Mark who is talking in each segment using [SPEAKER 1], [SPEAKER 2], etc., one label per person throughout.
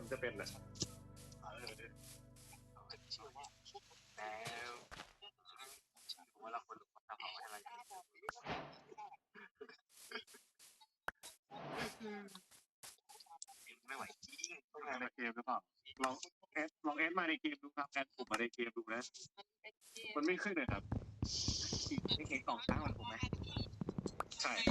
[SPEAKER 1] คนจะเป็นอ่ะ
[SPEAKER 2] แล้วว่าเราคนทำอะไรไม่ไหวจริง
[SPEAKER 1] ต้องการในเกมหรือเปล่าลองแอดมาในเกมดูครับแอดผมมาในเกมดูนะมันไม่ขึ้นเลยครับ
[SPEAKER 2] ไม่เห็นกล่องค้างมันถูกไหม
[SPEAKER 1] ใช่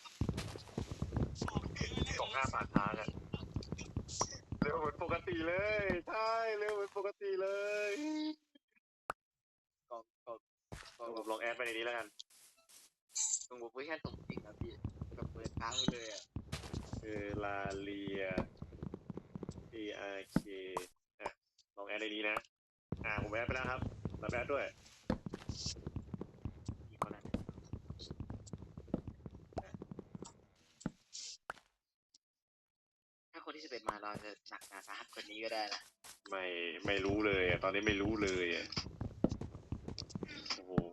[SPEAKER 1] กล่องหน้าผ่านทางอ่ะเร็วเหมือนปกติเลยใช่เร็วเหมือนปกติเลยผมลองแอดไปในนี้แล้วกัน
[SPEAKER 2] ตรงโพซิชั่นตรงจริงนะพี่แบบเปิดค้างเลยอ่ะ
[SPEAKER 1] ลาเลีย ARK อ่ะลองแอดในนี้นะผมแอดไปแล้วครับรับแอดด้วย
[SPEAKER 2] ถ้าคนที่11มาเราจะหนักหนาสาหัสกว่านี้ก็ได้นะ
[SPEAKER 1] ไม่รู้เลยตอนนี้ไม่รู้เลยโอ้โห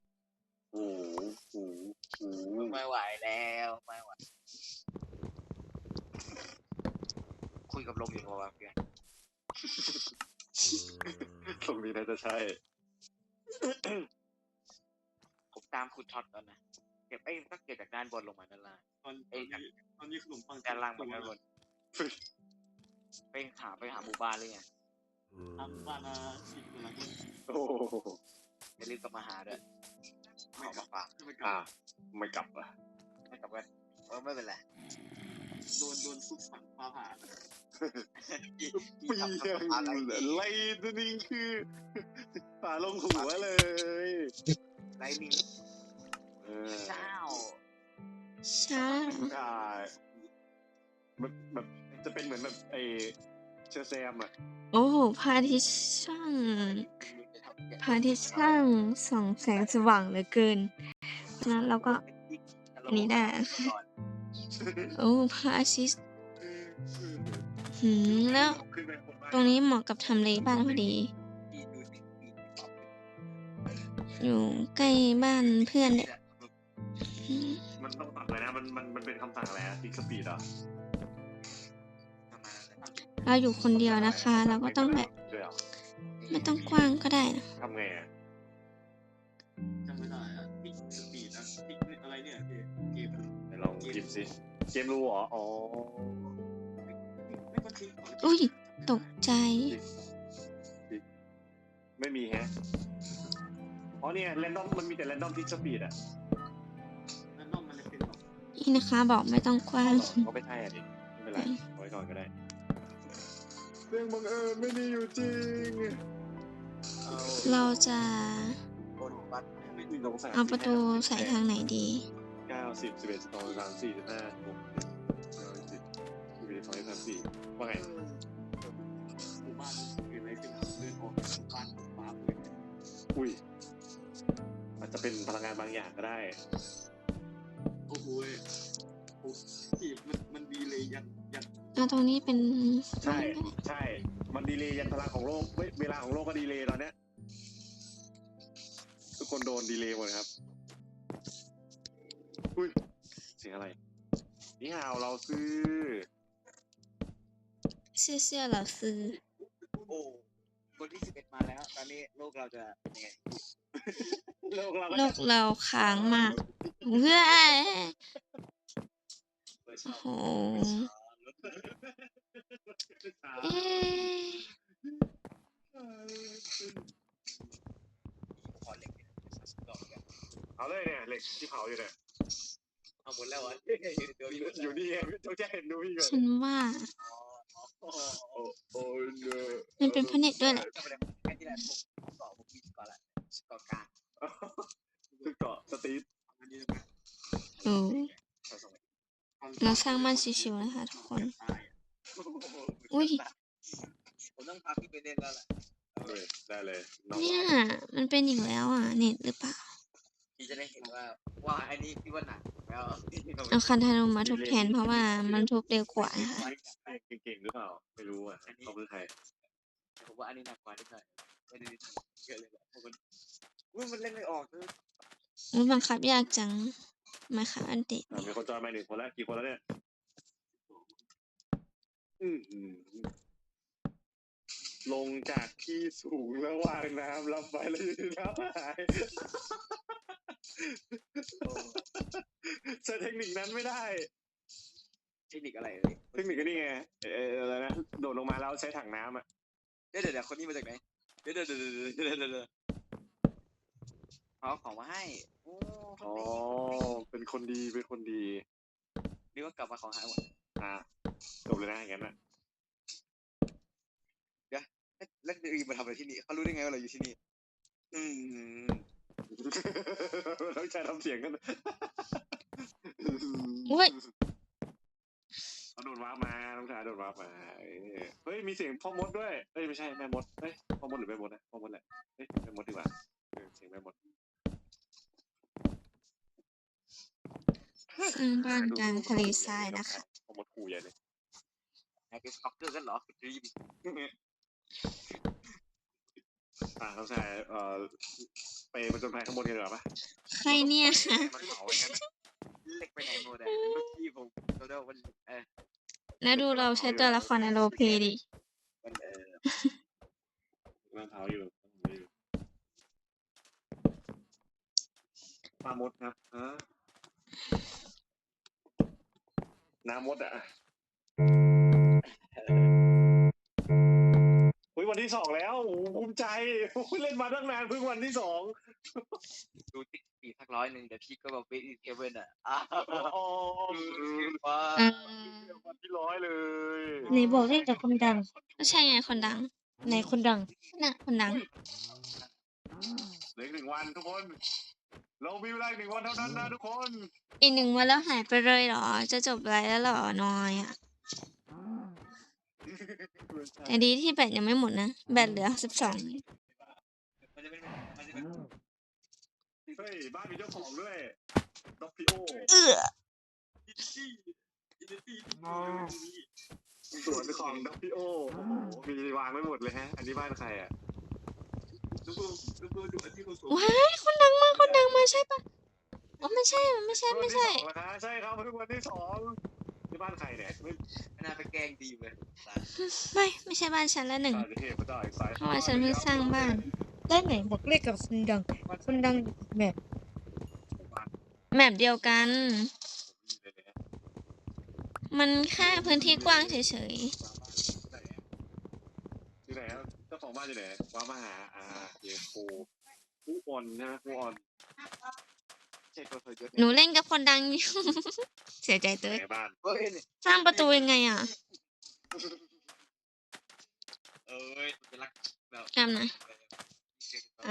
[SPEAKER 2] ไม่ไหวแล้วไม่ไหวคุยกับลมอยู่พอวะเพื่อน
[SPEAKER 1] ตรงนี้น่าจะใช่
[SPEAKER 2] ผมตามคุณท็อตก่อนนะเก็บต้องเก็บจากด้านบนลงมาด้านล่าง
[SPEAKER 3] ตอนนี้ขนมปัง
[SPEAKER 2] ด้านล่างมันด้านบนไปหาหมู่บ้านเลยไง
[SPEAKER 3] ทำบ้านสิบคนละคน
[SPEAKER 1] โอ้โห
[SPEAKER 2] อย่าลืมกลับมาหาด้วยขอมาฝาก
[SPEAKER 1] ไม่กลับอ่ะ
[SPEAKER 2] ไม่กลับไปไม่เป็นไร
[SPEAKER 3] โดนทุบฝังฟ้าผ่า
[SPEAKER 1] ปียังไล่ตัวนี้คือป่าลงหัวเลย
[SPEAKER 2] ไลนิ่งเช้า
[SPEAKER 1] แบบจะเป็นเหมือนแบบเชอร์แซมอ่ะ
[SPEAKER 4] โอ้พระอาทิตย์ช่างส่องแสงสว่างเหลือเกินฉะนั้นเราก็อันนี้ได้โอ้พระอาทิตย์แล้วตรงนี้เหมาะกับทำเลบ้านพอดี อยู่ใกล้บ้านเพื่อนเนี่ย
[SPEAKER 1] มันต้องตัดเลยนะมันเป็นคำสั่งอะไรติ๊กสปีดอ่ะ
[SPEAKER 4] เราอยู่คนเดียวนะคะ เราก็ต้องแบบไม่ต้องกว้างก็ได้นะ
[SPEAKER 1] ทำไงอ่ะ
[SPEAKER 3] จำไม่ได้อะติ๊กสปีดติ๊กอะไรเนี่ยเกม
[SPEAKER 1] ลองกิฟสิเกมรู้เหรออ๋อ
[SPEAKER 3] ไม่ก็ติ๊ก
[SPEAKER 4] อุ้ยตกใจ
[SPEAKER 1] ไม่มีแฮะอ๋อเนี่ยแรนดอมมันมีแต่แรนดอมทิกสปีดอ่ะ
[SPEAKER 3] นั่นน้องมันจะเป็นแบบ
[SPEAKER 4] นี่นะคะบอกไม่ต้องกว้าง
[SPEAKER 1] ก็ไม่ใช่อ่ะดิไม่เป็นไรไว้ก่อนก็ได้เรื่องบังเอิญไม่มีอยู่จริง
[SPEAKER 4] เราจะ
[SPEAKER 2] บนวัด
[SPEAKER 4] เอาประตูใส่ทางไหนดี
[SPEAKER 1] 90 11 12 13 14 15 16 17 11 12 13 14ว่าไง
[SPEAKER 3] หมู่บ้านเกิดอะไรขึ้นเดินออกจากบ้านฟ้าเลย
[SPEAKER 1] อุ้ยอาจจะเป็นพลังงานบางอย่างก็ได้
[SPEAKER 3] โอ้โหที่มันดีเลยยัน
[SPEAKER 4] เอาตรงนี้เป็น
[SPEAKER 1] ใช่มันดีเลย์ยันพลังของโลกเวลาของโลกก็ดีเลย์ตอนเนี้ยทุกคนโดนดีเลย์หมดครับอุ้ยเสียงอะไรนี่ฮาวเราซื้อ
[SPEAKER 4] เสื้อเหล่าซื้อ
[SPEAKER 2] โอ้คนที่11มาแล้วตอนนี้โลกเราจะเป็นยังไง
[SPEAKER 1] โลกเรา
[SPEAKER 4] โลกเราค้างมากเฮ้ยโอ้โหเอ๊ะ
[SPEAKER 2] ขอเล็กดอกกัน
[SPEAKER 1] เอาเลยเนี่ยเหล็กที่เผาอยู่เนี่ย
[SPEAKER 2] เอาหมดแล้ววะ
[SPEAKER 1] อยู่นี่เองต้องแจ้เห็นดูพี่ก่อน
[SPEAKER 4] ฉันว่า
[SPEAKER 1] โอ้ยเนอะ
[SPEAKER 4] มันเป็นเพราะเน็ตด้วยแหละ
[SPEAKER 2] ก็ไม่ได้แค่ที่แรกผมเกาะผมมีเกาะละเกาะกลาง
[SPEAKER 1] คือเกาะสตีฟ
[SPEAKER 3] อันนี้
[SPEAKER 4] โอ้เราสร้างบ้านชิวๆนะคะทุกคน อุ้ย
[SPEAKER 2] ผมต้องพาพี่ไปเล่นแล้วแหละ
[SPEAKER 1] ได้เลย
[SPEAKER 4] เนี่ยมันเป็นอีกแล้วอ่ะเน็ตหรือเปล่า
[SPEAKER 2] พี่จะได้เห็นว่าอันนี้พี่ว่าหนักแล้ว
[SPEAKER 4] เอาคันธนูมาทุบแทนเพราะว่ามันทุบเร็วกว่านะคะ
[SPEAKER 1] เก่งๆหรือเปล่าไม่รู้อ่ะเขาคือใคร
[SPEAKER 2] ผมว่าอันนี้หนักกว่านิดหน่อยไม่ได้เยอะเลยแบบมันเล่นไม่ออกเลย
[SPEAKER 4] มันบังคับยากจังมาค่ะอันเด็ด
[SPEAKER 1] มีคนจอยมา1 คนแล้วกี่คนแล้วเนี่ยลงจากที่สูงแล้ววางน้ำรับไปแล้วอยู่น้ำหายใช้เทคนิคนั้นไม่ได้
[SPEAKER 2] เทคนิคอะไรเลย
[SPEAKER 1] เทคนิคก็นี่ไงอะไรนะโดดลงมาแล้วใช้ถังน้ำอ่ะ
[SPEAKER 2] เดี๋ยวคนนี้มาจากไหนเดี๋ยวเอาของมาให้โอ้
[SPEAKER 1] อ๋อเป็นคนดีเป็นคนดี
[SPEAKER 2] นี่ก็กลับมาของหายหมด
[SPEAKER 1] จบเลยนะอย่างนั้นอ่ะ
[SPEAKER 2] แล้วดีมาทำอะไรที่นี่เขารู้ได้ไงว่าเราอยู่ที่นี่
[SPEAKER 1] ต้องใช้ทำเสียงกัน
[SPEAKER 4] อุ้ย
[SPEAKER 1] เขาโดดวาร์ปมาต้องใช้โดดวาร์ปมาเฮ้ยมีเสียงพ่อมดด้วยเฮ้ยไม่ใช่แม่มดเฮ้ยพ่อมดหรือแม่มดนะพ่อมดแหละเฮ้ยแม่มดดีกว่าเสียงแม่มด
[SPEAKER 4] สร้างบ้านกลางทะเลทรายนะคะ
[SPEAKER 1] พ่อมดขู่ใหญ่เลย
[SPEAKER 2] นายเป็นสต็อกเกอร์กันเหรอรีบ
[SPEAKER 1] ต้องใช้ไปประจนภัยข้างบนกันดีกว่าปะ
[SPEAKER 4] ใครเนี่ย
[SPEAKER 2] มันเผาอย่างนั้นเล็กไปไหนหมดเมื่อกี้ผมโดนมัน
[SPEAKER 4] แล้วดูเราใช้ตัวละครในโรลเพลย์ดิ
[SPEAKER 2] มัน
[SPEAKER 1] มันเผาอยู่ปลามดครับน้ำมดอ่ะวันที่ 2แล้วภูมิใจเล่นมาตั้งนานเพิ่งวันที่ 2
[SPEAKER 2] ดูติ๊กปีสัก100เดี๋ยวพี่ก็แบบเวทอินเทเวนอ่ะ
[SPEAKER 1] วันที่100เลย
[SPEAKER 4] ไหนบอกเล่นกับคนดังก็ใช่ไงคนดังไหนคนดังน่ะคนดัง
[SPEAKER 1] เหลืออีก1 วันทุกคนเรามีเวลาอีก1 วันเท่านั้นนะทุกคน
[SPEAKER 4] อีก1 วันแล้วหายไปเลยเหรอ จะจบไลฟ์แล้วเหรอน้อยอ่ะ แต่ดีที่แบตยังไม่หมดนะ แบตเหลือ 12
[SPEAKER 2] มันจะเป็น
[SPEAKER 1] เฮ้ยบ้านมีเจ้าของด้วยด็อกพิโอสวนของด็อกพิโอโอ้โหมีวางไว้หมดเลยฮะอันนี้บ้านใครอ่ะ
[SPEAKER 4] ว้ายคนดังมาคนดังมาใช่ปะอ๋อไม่ใช่ไม่ใช่
[SPEAKER 1] ใช่ครับเพิ่งวันที่ 2ที่บ้านใครเนี่ยไม่
[SPEAKER 2] น่าไปแกล้งดีเลย
[SPEAKER 4] ไม่ใช่บ้านฉันละหนึ่ง
[SPEAKER 1] สายเทพไม่ได้สาย
[SPEAKER 4] เพราะว่าฉันเพิ่งสร้างบ้านได้ไหนบอกเลขกับคนดังแมปเดียวกัน มันแค่พื้นที่กว้างเฉย
[SPEAKER 1] อยู่ไหนครับเจ้าของบ้านอยู่ไหนว้ามาหาเดี๋ยวครูอ่อนนะครูอ่อน
[SPEAKER 2] ใช่ตัวเธอยศ
[SPEAKER 4] ๆหนูเล่นกับคนดังอยู่ เสียใจเต้ย
[SPEAKER 1] ในบ้าน
[SPEAKER 2] เฮ้ย
[SPEAKER 4] สร้างประตูยังไงอ่ะ
[SPEAKER 2] จะรักแบบ
[SPEAKER 4] จำหน่อย
[SPEAKER 2] ไอ้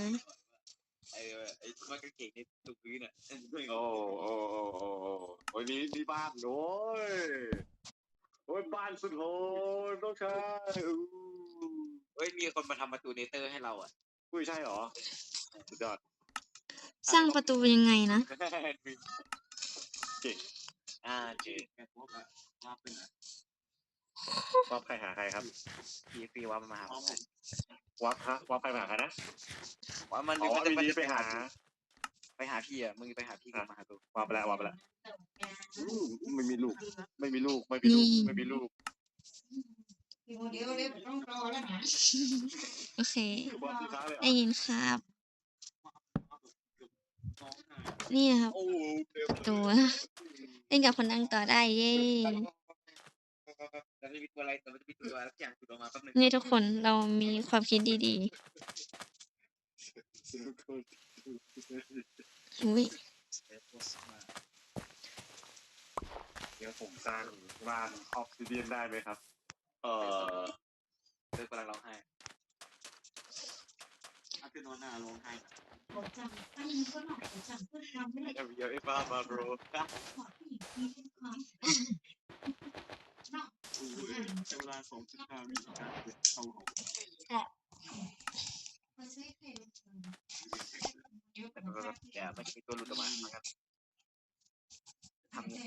[SPEAKER 2] มันก็เก่งในตุกพื้นอ่ะ
[SPEAKER 1] โอ้ยนี่บ้านโอ้ยบ้านสุดโหดต้องใช้
[SPEAKER 2] เฮ้ยมีคนมาทำประตูเนเตอร์ให้เราอ่ะ
[SPEAKER 1] อุ้ยใช่หรอสุดยอด
[SPEAKER 4] สร้างประตูยังไงนะ
[SPEAKER 1] เก่ง
[SPEAKER 2] เจ๋ง
[SPEAKER 3] แกพวกอะว่าเป็นอะ
[SPEAKER 1] วับใครหาใครครับ
[SPEAKER 2] ปีว่ามันมาหา
[SPEAKER 1] วับใครหาใครนะ
[SPEAKER 2] ว่ามัน
[SPEAKER 1] อ๋อ
[SPEAKER 2] จะ
[SPEAKER 1] ดีๆไปหา
[SPEAKER 2] พี่อ่ะมึงไปหาพี่กันมาหาตัว
[SPEAKER 1] วับไปแล้วไม่มีลูก
[SPEAKER 4] โอเค
[SPEAKER 1] วับสุดท้ายเลย
[SPEAKER 4] ได้ยินครับ
[SPEAKER 3] น้องหาย
[SPEAKER 4] นี่นะครับ
[SPEAKER 2] โอ้
[SPEAKER 4] ประตูเล่นกับคนดังต่อได้เย้
[SPEAKER 2] แต่ไม่มีตัวอะไรแต่มันจะมีตัวอะไรสักอย่างตัวออกมาแป๊บนึง
[SPEAKER 4] นี่ทุกคนเรามีความคิดดีๆอุ้ย
[SPEAKER 1] เดี๋ยวผมสร้างบ้านออฟซิเดียนได้ไหมครับ
[SPEAKER 2] เลิกกำลังร้องไห้
[SPEAKER 3] อาคือนอนหน้าร้องไห้
[SPEAKER 2] เดี๋ยวไอ้บ้ามาโบร
[SPEAKER 3] ใช้เวลา2.5 วิการเข้าของ
[SPEAKER 2] แกไม่มีตัวหลุดออกมาครับทำ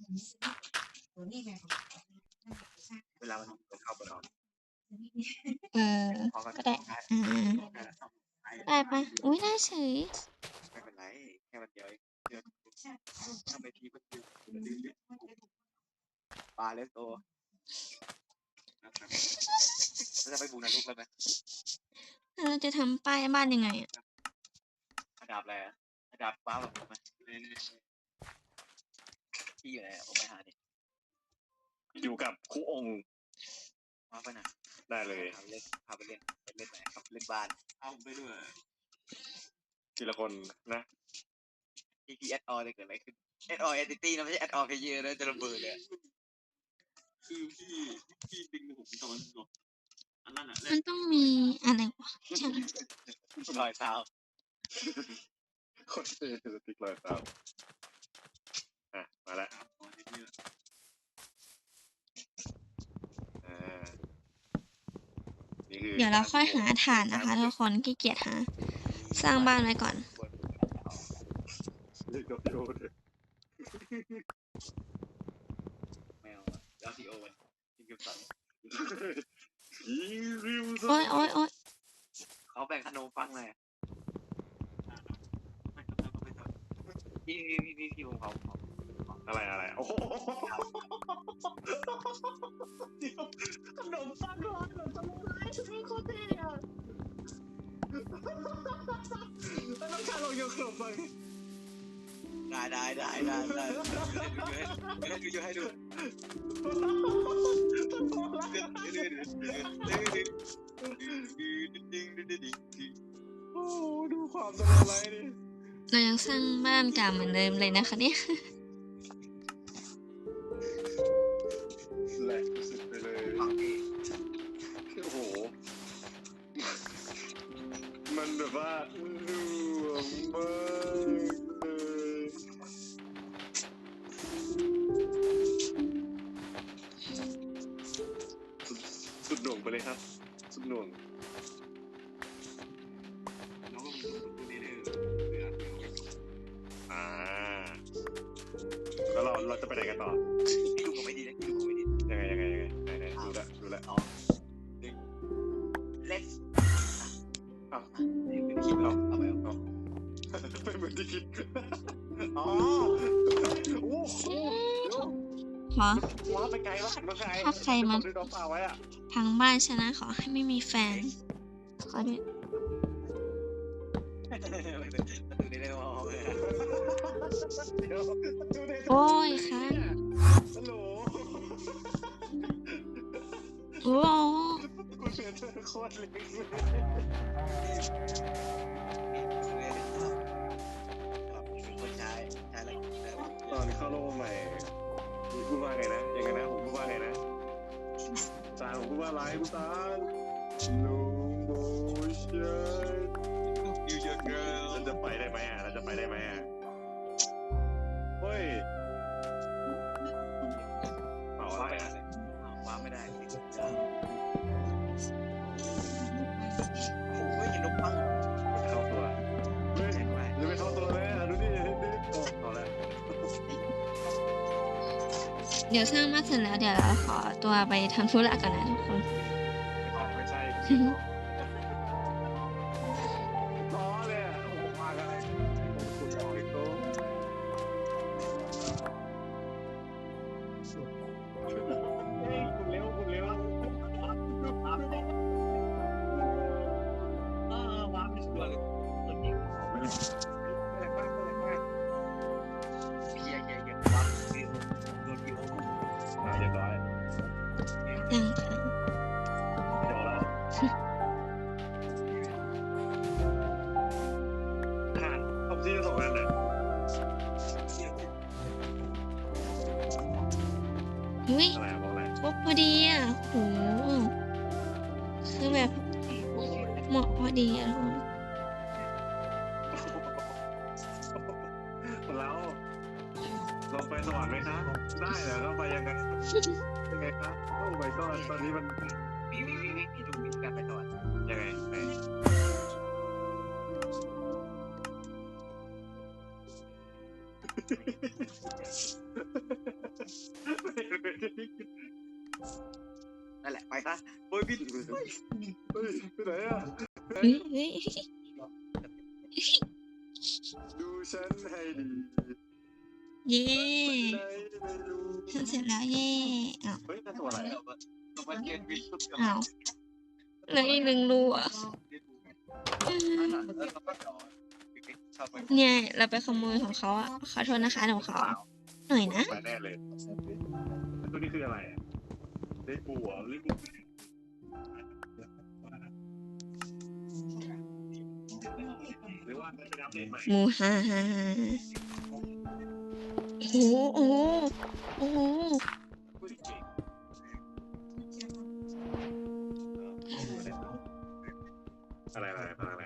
[SPEAKER 2] เวลามันเข้าไปนอน
[SPEAKER 4] ก็ได้ได้ปะอุ้ยได้เฉย
[SPEAKER 2] ไม่เป็นไรแค่วันเดียวทำไมพี่มันอยู่ปลาเล็กโตเราจะไปบูนรกแล้วไหม
[SPEAKER 4] แล้วเราจะทำป้ายบ้านยังไงอ่ะ
[SPEAKER 2] อาดาบอะไรอะอาดาบว้าวแบบผมไหมที่อยู่ไหนอะผมไปหาดิ
[SPEAKER 1] อยู่กับครูองค์
[SPEAKER 2] ว้าวไปไหน
[SPEAKER 1] ได้เลย
[SPEAKER 2] พาไปเล่นพาไปเล่นไปเล่นไหนครับเล่นบ้าน
[SPEAKER 3] เอาผมไปด้วย
[SPEAKER 1] ทีละคนนะ
[SPEAKER 2] TP add on จะเกิดอะไรขึ้น add on entity นะไม่ใช่ add on player นะจะระเบิดเลยอะ
[SPEAKER 3] คือพี่ดึงผมตอนหลบอันนั้นอ่ะ
[SPEAKER 4] มันต้องมีอะไรวะ
[SPEAKER 2] รอยเท้า
[SPEAKER 1] คนเท่สติ๊กรอยเท้าอ่ะมาแล้ว
[SPEAKER 3] ครับตอนนี้เนี่ย
[SPEAKER 1] อ่านี่คือ
[SPEAKER 4] เดี๋ยวเราค่อยหาฐานนะคะทุกคนขี้เกียจหา สร้างบ้านไว้ก่อน
[SPEAKER 1] เรียกกับพี่โอ๊ต
[SPEAKER 2] แมวอะแล้วทีโอวันทีมกิฟสัน
[SPEAKER 1] ยิงริว
[SPEAKER 4] โอ๊ยโอ๊ยโอ๊ย
[SPEAKER 2] เขาแบ่งขนมปังเลย
[SPEAKER 3] ไม่ครับแล้วก็ไม่ทำ
[SPEAKER 2] ที่ผมเขา
[SPEAKER 1] อะไรโอ้โหขนมปังร้อนขนมปังร้อนฉันไม่โคตรเท่อะแล้วน้องชายลองโยนขนมปัง
[SPEAKER 2] ได้ดูให้ดู
[SPEAKER 1] โอ้ดูความตลกไรดิ
[SPEAKER 4] เรายังสร้างบ้านเก่าเหมือนเดิมเลยนะคะเนี่ย
[SPEAKER 1] แหลกสุดไปเลย
[SPEAKER 2] ฟังดี
[SPEAKER 1] โอ้โห มันแบบว่าหน่วงมากเลยสุดหน่วงไปเลยครับ สุดหน่วง
[SPEAKER 3] แล้วก็มีตัวนี้เลยเรือ
[SPEAKER 1] อ่า แล้วเราจะไปไหนกันต่อ
[SPEAKER 2] พี่ดูผมไม่ดีนะพี่ดูผมไม่ดี
[SPEAKER 1] ยังไงไหนดูละ
[SPEAKER 2] let's
[SPEAKER 1] อ้าว
[SPEAKER 2] เป็นคลิปเราเอาไปเอา
[SPEAKER 1] ไม่เหมือนที่คิด อ๋อโอ้โห
[SPEAKER 4] ขอ
[SPEAKER 1] ว้าไปไกลมากน้องชาย
[SPEAKER 4] ถ้าใครมา
[SPEAKER 1] ดูน้องเปล่าไว้อะ
[SPEAKER 4] พังบ้านชนะขอให้ไม่มีแฟน ขอด้วย
[SPEAKER 2] ประตูนี้ได้มองเลย
[SPEAKER 1] เดี๋ยวดูใน
[SPEAKER 4] โอ้ยค่ะ
[SPEAKER 1] ฮัลโหล
[SPEAKER 4] โอ้โห
[SPEAKER 1] กูเสียเธอโคตรเล็กเลย
[SPEAKER 2] คนใช้อะไร
[SPEAKER 1] ตอนเข้าโลกใหม่มีพูดว่าไงนะยังไงนะผมพูดว่าไงนะตาผมพูดว่าอะไรกูตาโลโมชั่น
[SPEAKER 2] ยูเยอร์เกิร์ล
[SPEAKER 1] เราจะไปได้ไหมอ่ะเฮ้ยเปล่าอะไรอ่ะ
[SPEAKER 2] ว้าไม่ได้โอ้ยเห็นนกปัง
[SPEAKER 1] เข้าตัวเฮ้ย
[SPEAKER 2] แข็งแรง
[SPEAKER 1] จะไปเข้าตัวเลยอ่ะดูดิโอ้เอาแล้ว
[SPEAKER 4] เดี๋ยวสร้างบ้านเสร็จแล้วเดี๋ยวเราขอตัวไปทำธุระก่อนนะทุกคน
[SPEAKER 1] ไม่ใช่ล้อเลยอ่ะโอ้โหมากันเลยคุณออกอีกตัวเฮ้ยคุณเร็ว
[SPEAKER 2] ว้าไม่ชัวร์เลยตัวจริง
[SPEAKER 1] แรงมาก
[SPEAKER 2] เฮียว้าคือโดนที่โอ้
[SPEAKER 1] เรียบร้อย
[SPEAKER 4] ยังค่ะ
[SPEAKER 1] เดี๋ยวเราผ่านครบที่จะส่งกันน่ะ
[SPEAKER 4] อุ้ย
[SPEAKER 1] อะไรบอกอะไร
[SPEAKER 4] ครบพอดีอ่ะโหคือแบบเหมาะพอดีอ่ะทุกคน
[SPEAKER 1] เราลองไปสวรรค์ไหมครับได้เหรอเราไปยังไงยังไงครับโอ้ my god ตอนนี้มัน
[SPEAKER 2] มีดูมีการไปต่อ
[SPEAKER 1] ยังไงไหน
[SPEAKER 2] นั่นแหละไปซะโอ้ยบิน
[SPEAKER 1] เฮ้ยไปไหนอ่ะ
[SPEAKER 4] เฮ้ยเฮ้ย
[SPEAKER 1] ดูฉันให้ดี
[SPEAKER 4] เย่
[SPEAKER 1] ไหนไม่รู้
[SPEAKER 4] ทำเสร็จแล้วเย่อ้าว
[SPEAKER 1] เฮ้ยนั่นตัวอะไรอ่ะ
[SPEAKER 2] มันเกินบินทุก
[SPEAKER 4] อ้าวเหลืออีกหนึ่งรูอ่ะ
[SPEAKER 2] แล้วเราก็ต่อชอบไป
[SPEAKER 4] เนี่ย เราไปขโมยของเขาอ่ะขอโทษนะคะของเขาอะหน่อยนะ
[SPEAKER 1] มาแน่เลยตัวนี้คืออะไรอ่ะเล่นปูเหรอเล่นปูหรือว่ามันเป็นอัปเดตใหม่
[SPEAKER 4] หมูฮ่าฮ่าฮ่าโอ้โหโอ้โหโอ้โห
[SPEAKER 1] อะไรอะไรอะไรอะไร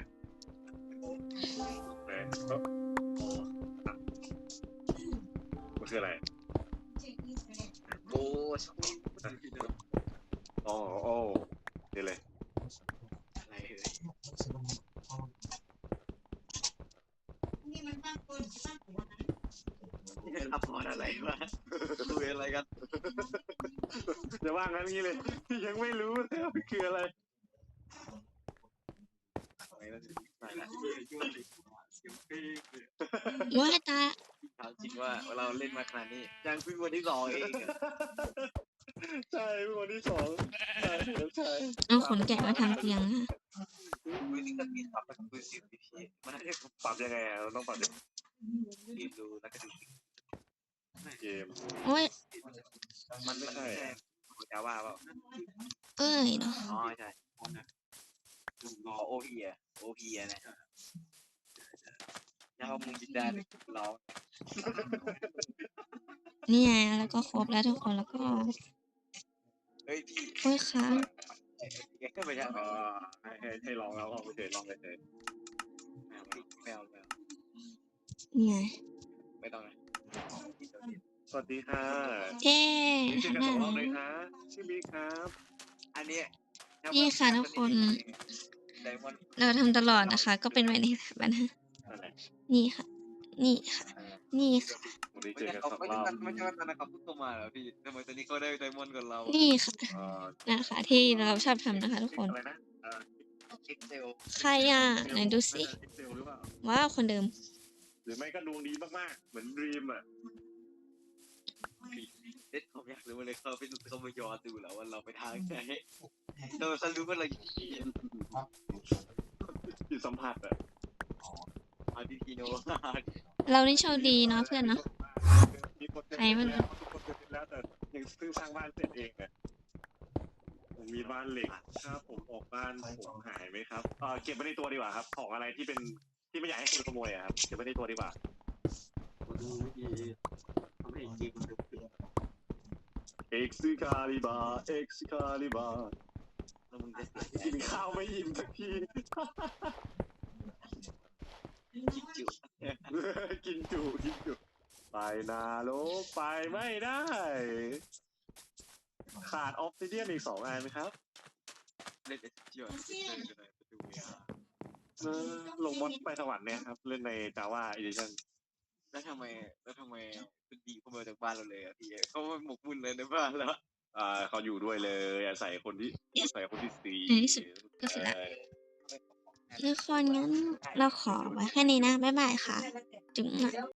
[SPEAKER 1] มันคืออะไร
[SPEAKER 2] โอ้ชอบ
[SPEAKER 1] อ๋อโอ้เดี๋ยวเลย
[SPEAKER 2] อะไรเลยรับพออะไรวะคุยอะไรกัน
[SPEAKER 1] จะว่างั้นงี้เลย ยังไม่รู้เลยว่ามันคืออะไร
[SPEAKER 2] อะไรนะอะไรนะ
[SPEAKER 4] ว่าตา
[SPEAKER 2] ถามจริงว่าเราเล่นมาขนาดนี้ยังเพิ่งวันที่สองเอง
[SPEAKER 1] ใช่คนที่สองใช่ใช่
[SPEAKER 4] เอาขนแกะมาทำเตียงค่ะ
[SPEAKER 2] คุยที่กันมีปรับเป็นคุยสิบปีมันน่าจะ
[SPEAKER 1] ปรับยังไงอ่ะเราต้องปรับยังไง
[SPEAKER 2] เรียนรู้แล้วก็ดู
[SPEAKER 1] เกม
[SPEAKER 4] โอ้ย
[SPEAKER 2] มันไม่ใช่จาว่าเปล่า
[SPEAKER 4] เอ้ยเนาะ
[SPEAKER 2] อ๋อใช่อ๋อโอพีอะโอพีอะนะยาวมึงจินดาเลยเรา
[SPEAKER 4] นี่ไงแล้วก็ครบแล้วทุกคนแล้วก็
[SPEAKER 2] เฮ้ยพี่
[SPEAKER 4] โอ้ยค้าง
[SPEAKER 2] แกก็ไม่ใช่
[SPEAKER 1] ให้ลองแล้วลองไปเฉยลองไปเฉย
[SPEAKER 2] ไม่เอา
[SPEAKER 4] นี่ไง
[SPEAKER 2] ไม่ต้องนะ
[SPEAKER 1] สวัสดีค่ะ
[SPEAKER 4] เย้
[SPEAKER 1] นี่ชื่อ
[SPEAKER 4] ทำ
[SPEAKER 1] กัน
[SPEAKER 4] ได้
[SPEAKER 1] สองรอบ
[SPEAKER 4] ไหม
[SPEAKER 1] เลยนะชื่อบิ๊กครับ
[SPEAKER 2] อันนี้
[SPEAKER 4] นี่ค่ะทุกคน
[SPEAKER 2] ไดมอนด์
[SPEAKER 4] เราทำตลอดนะคะ ก็เป็นไว้ในสถาบันฮะ
[SPEAKER 1] นั่นแหละ
[SPEAKER 4] นี่ค่ะ นี่ค่ะ นี่ค่ะ
[SPEAKER 1] วันนี้
[SPEAKER 2] ไม่
[SPEAKER 1] เจอ
[SPEAKER 2] ใช่
[SPEAKER 1] กัน
[SPEAKER 2] เขา
[SPEAKER 1] สอง
[SPEAKER 2] ไม่
[SPEAKER 1] ร
[SPEAKER 2] ใช่
[SPEAKER 1] อบ
[SPEAKER 2] ไม่ใช่ว่าตอนนั้นเขาเพิ่งเข้ามาเหรอพี่ทำไมตอนนี้เขาได้ไดมอนด์กับเรา
[SPEAKER 4] นี่ค่ะ
[SPEAKER 1] เอ่อ
[SPEAKER 4] นะคะที่เราชอบทำนะคะทุกคน
[SPEAKER 1] อะไรนะ
[SPEAKER 2] เอ็กเซล
[SPEAKER 4] ใครอ่ะไหนดูสิ
[SPEAKER 1] เอ็กเซลหรือเปล่า
[SPEAKER 4] ว้าวคนเดิม
[SPEAKER 1] หรือไม่ก็ดวงดีมากๆเหมือนดีมอ่ะ
[SPEAKER 2] เด็ดผมอยากรู้เลยเขาไปดูเขาไปย้อนดูแล้วว่าเราไปทางไหนเราเขารู้ว่าเราอยู่ที่
[SPEAKER 1] จิตสัมผัสอ่ะ
[SPEAKER 2] อาร์ติฟิโน
[SPEAKER 4] เรานี่โชคดีเนาะเพื่อนเนาะ
[SPEAKER 1] มีคนเกิด
[SPEAKER 4] ใครมัน
[SPEAKER 1] แล้วทุกคนเกิดแล้วแต่ยังเพิ่งสร้างบ้านเสร็จเองอ่ะผมมีบ้านเหล็กถ้าผมออกบ้านผมหายไหมครับเก็บไว้ในตัวดีกว่าครับ ของอะไรที่เป็นที่ไม่อยากให้คนขโมยอะครับเก็บไว้ในตัวดีกว่า
[SPEAKER 3] ดูวิธีทำให้เกมมันดูเปลี่ยน
[SPEAKER 1] Excalibur Excalibur
[SPEAKER 2] แล้วมึงจะเสียใจ
[SPEAKER 1] กินข้าวไม่อิ่มสักที
[SPEAKER 2] คิดจุ
[SPEAKER 1] กินจุกินจุไปนาโลกไปไม่ได้ ขาดออฟซิเดียนอีก2 อันไหมครับ
[SPEAKER 2] เล่นเอสเจียนเล่นอะไรไปดูอ่ะ
[SPEAKER 1] ลงมอดไปสวรรค์เนี่ยครับ เล่นใน Java Edition
[SPEAKER 2] แล้วทำไมคุณดีเข้ามาจากบ้านเราเลยอ่ะพี่เขาหมกมุ่นเลยในบ้านแล้ว
[SPEAKER 1] เขาอยู่ด้วยเลยอาศัยคนที่อาศัยคนที่สี่
[SPEAKER 4] ในที่สุดก็เสร็จแล้ว ทุกคนงั้นเราขอไว้แค่นี้นะ บ๊ายบายค่ะ จุ๊ง